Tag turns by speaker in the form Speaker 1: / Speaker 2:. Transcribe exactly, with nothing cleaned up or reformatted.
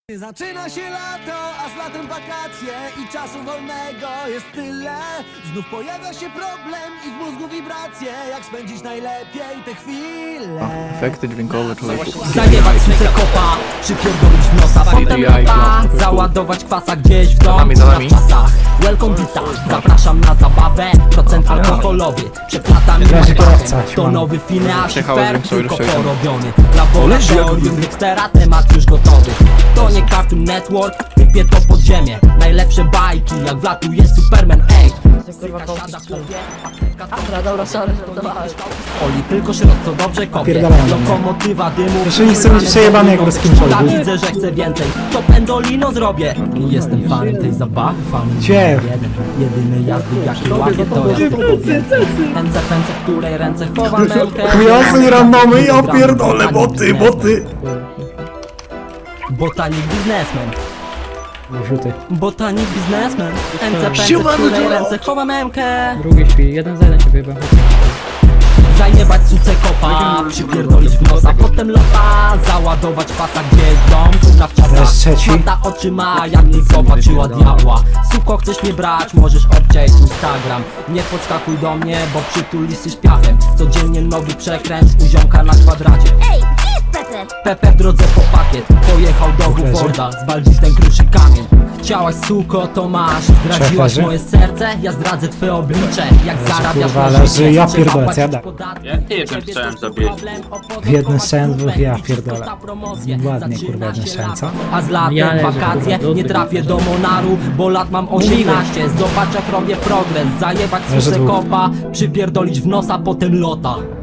Speaker 1: Zaczyna się lato, a z latem wakacje i czasu wolnego jest tyle. Znów pojawia się problem i w mózgu wibracje. Jak spędzić najlepiej te chwile?
Speaker 2: Efekty dźwiękowe człowieku.
Speaker 3: Zajebać suce kopa, przypierdolić w nosa, potem lata, załadować kwasa gdzieś w dom, w czasach. Welcome wita, zapraszam na zabawę, procent alkoholowy, przeplata mi to nowy finał, fair, tylko porobiony. Laboratorium Dextera, temat już gotowy. To nie Cartoon Network, wypie to pod ziemię. Najlepsze bajki, jak wlatuje Superman, ej.
Speaker 4: Dobra, dobra, sorry, żartowałem.
Speaker 3: Oli tylko środ, co dobrze kopie.
Speaker 5: Pierdolę.
Speaker 3: Lokomotywa dymu.
Speaker 5: Jeszcze nie chcę być przejebany jak ruskim czołgu.
Speaker 3: Widzę, że chcę więcej. To pendolino zrobię. Jestem fanem tej zabawy, fanem
Speaker 5: Cie.
Speaker 3: jeden. Jedyny jazdy, jaki łapię, to jest pędzę, pędzę, w której ręce chowam mękę.
Speaker 5: Chujocy randomy, ja pierdolę, boty, boty.
Speaker 3: Botanik biznesmen.
Speaker 5: Rzuty.
Speaker 3: Botanik biznesmen. Pędzę, pędzę, w której ręce chowam mękę.
Speaker 6: Drugi śpi, jeden za jeden cię wyjebałem.
Speaker 3: Zajebać suce kopa, przypierdolić w nosa, potem lota, załadować pasa gdzieś w dom, tu na
Speaker 5: Zaraz
Speaker 3: wczasach.
Speaker 5: trzeci.
Speaker 3: Mata oczy ma, jak nie zobaczyła diabła. Suko, chcesz mnie brać, możesz obciąć Instagram. Nie podskakuj do mnie, bo przytulisz się śpiachem. Codziennie nowy przekręt, u ziomka na kwadracie.
Speaker 4: Ej, gdzie jest Pepe?
Speaker 3: Pepe w drodze po pakiet, pojechał do Buforda, zwaldzić ten kruszy kamień. Chciałaś suko, to masz, zdradziłaś
Speaker 5: Trzech leży.
Speaker 3: moje serce, ja zdradzę twoje oblicze. Jak zarabiasz
Speaker 5: kurwa,
Speaker 3: na
Speaker 5: leży,
Speaker 3: życie,
Speaker 5: ja
Speaker 3: trzeba
Speaker 5: pierdolę,
Speaker 3: płacić
Speaker 5: jada.
Speaker 3: podatki.
Speaker 7: Jak ty jednym strzałem zabiłeś?
Speaker 5: Jednym strzałem dwóch, ja pierdolę. Ładnie, kurwa, jednym strzałem, co?
Speaker 3: A z latem
Speaker 6: Ja leżę,
Speaker 3: wakacje,
Speaker 6: kurwa,
Speaker 3: nie
Speaker 6: do
Speaker 3: trafię
Speaker 6: tego.
Speaker 3: do Monaru, bo lat mam osiemnaście. Zobacz jak robię progres, zajebać
Speaker 5: Leży
Speaker 3: suce
Speaker 5: dwóch.
Speaker 3: kopa, przypierdolić w nosa, potem lota.